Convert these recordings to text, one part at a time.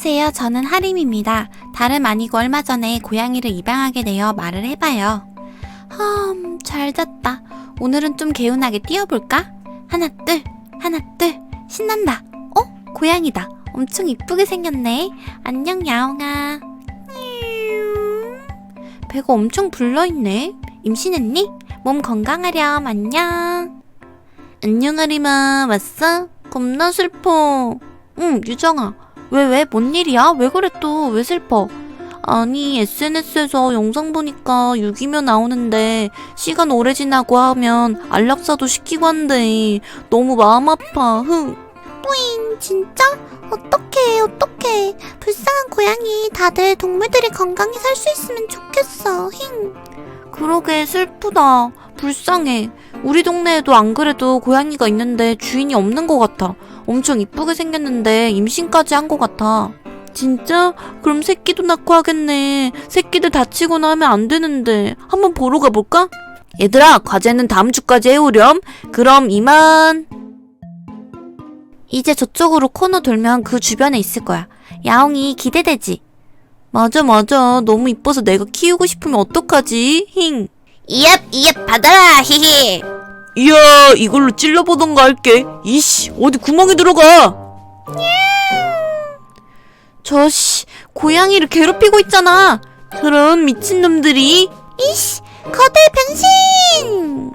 안녕하세요. 저는 하림입니다. 다름 아니고 얼마 전에 고양이를 입양하게 되어 말을 해봐요. 잘 잤다. 오늘은 좀 개운하게 뛰어볼까? 하나 둘 신난다. 고양이다. 엄청 이쁘게 생겼네. 안녕 야옹아. 배가 엄청 불러있네. 임신했니? 몸 건강하렴. 안녕. 안녕 하림아. 왔어? 겁나 슬퍼. 응 유정아. 왜? 뭔 일이야? 왜 그래 또? 왜 슬퍼? 아니 SNS에서 영상 보니까 유기묘 나오는데 시간 오래 지나고 하면 안락사도 시키고 한대. 너무 마음 아파. 뿌잉 진짜? 어떡해. 불쌍한 고양이. 다들 동물들이 건강히 살 수 있으면 좋겠어. 그러게 슬프다. 불쌍해. 우리 동네에도 안 그래도 고양이가 있는데 주인이 없는 것 같아. 엄청 이쁘게 생겼는데 임신까지 한 것 같아. 진짜? 그럼 새끼도 낳고 하겠네. 새끼들 다치거나 하면 안 되는데. 한번 보러 가볼까? 얘들아 과제는 다음 주까지 해오렴. 그럼 이만. 이제 저쪽으로 코너 돌면 그 주변에 있을 거야. 야옹이 기대되지? 맞아 너무 이뻐서 내가 키우고 싶으면 어떡하지? 이앱 받아라. 히히. 이야 이걸로 찔러보던가 할게. 이씨 어디 구멍에 들어가. 저씨 고양이를 괴롭히고 있잖아. 저런 미친놈들이. 이씨 거대 변신.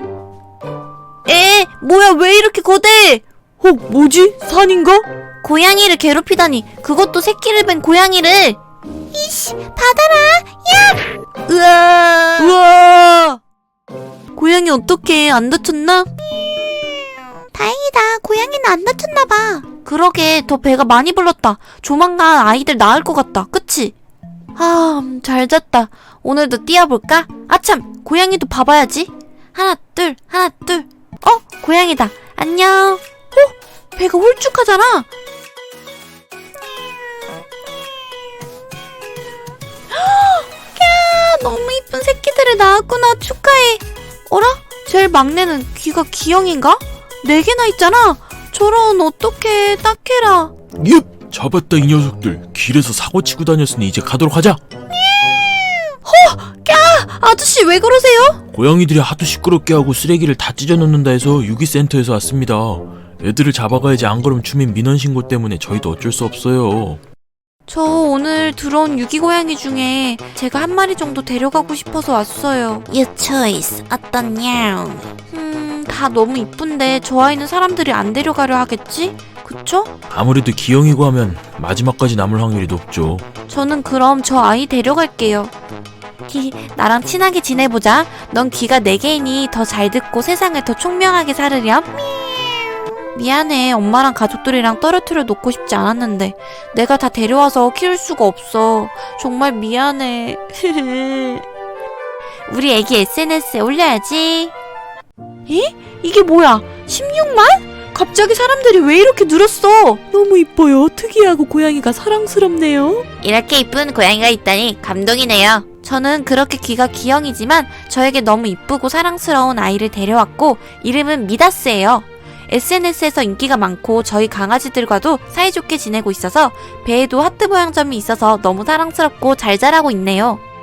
뭐야 왜 이렇게 거대. 뭐지? 산인가? 고양이를 괴롭히다니. 그것도 새끼를 뺀 고양이를. 이씨 받아라. 야. 우와 고양이 어떡해 안 다쳤나? 다행이다. 고양이는 안 다쳤나봐. 그러게 더 배가 많이 불렀다. 조만간 아이들 낳을 것 같다. 그치? 잘 잤다. 오늘도 뛰어볼까? 아참 고양이도 봐봐야지. 하나 둘 고양이다. 안녕. 배가 홀쭉하잖아. 야 너무 이쁜 새끼들을 낳았구나. 축하해. 어라? 제일 막내는 귀가 기형인가? 4개나 있잖아. 저런 어떡해. 딱해라. 옙! 잡았다 이 녀석들. 길에서 사고치고 다녔으니 이제 가도록 하자. 아저씨 왜 그러세요? 고양이들이 하도 시끄럽게 하고 쓰레기를 다 찢어놓는다 해서 유기센터에서 왔습니다. 애들을 잡아가야지. 안 그러면 주민 민원 신고 때문에 저희도 어쩔 수 없어요. 저 오늘 들어온 유기고양이 중에 제가 한 마리 정도 데려가고 싶어서 왔어요. You choice. 어떠냐? 다 너무 이쁜데 저 아이는 사람들이 안 데려가려 하겠지? 그쵸? 아무래도 기형이고 하면 마지막까지 남을 확률이 높죠. 저는 그럼 저 아이 데려갈게요. 나랑 친하게 지내보자. 넌 귀가 4개이니 더 잘 듣고 세상을 더 총명하게 살으렴. 미안해. 엄마랑 가족들이랑 떨어뜨려 놓고 싶지 않았는데 내가 다 데려와서 키울 수가 없어. 정말 미안해. 우리 애기 SNS에 올려야지. 이게 뭐야? 16만? 갑자기 사람들이 왜 이렇게 늘었어? 너무 이뻐요. 특이하고 고양이가 사랑스럽네요. 이렇게 이쁜 고양이가 있다니 감동이네요. 저는 그렇게 귀가 기형이지만 저에게 너무 이쁘고 사랑스러운 아이를 데려왔고 이름은 미다스예요. SNS에서 인기가 많고 저희 강아지들과도 사이좋게 지내고 있어서 배에도 하트 모양 점이 있어서 너무 사랑스럽고 잘 자라고 있네요.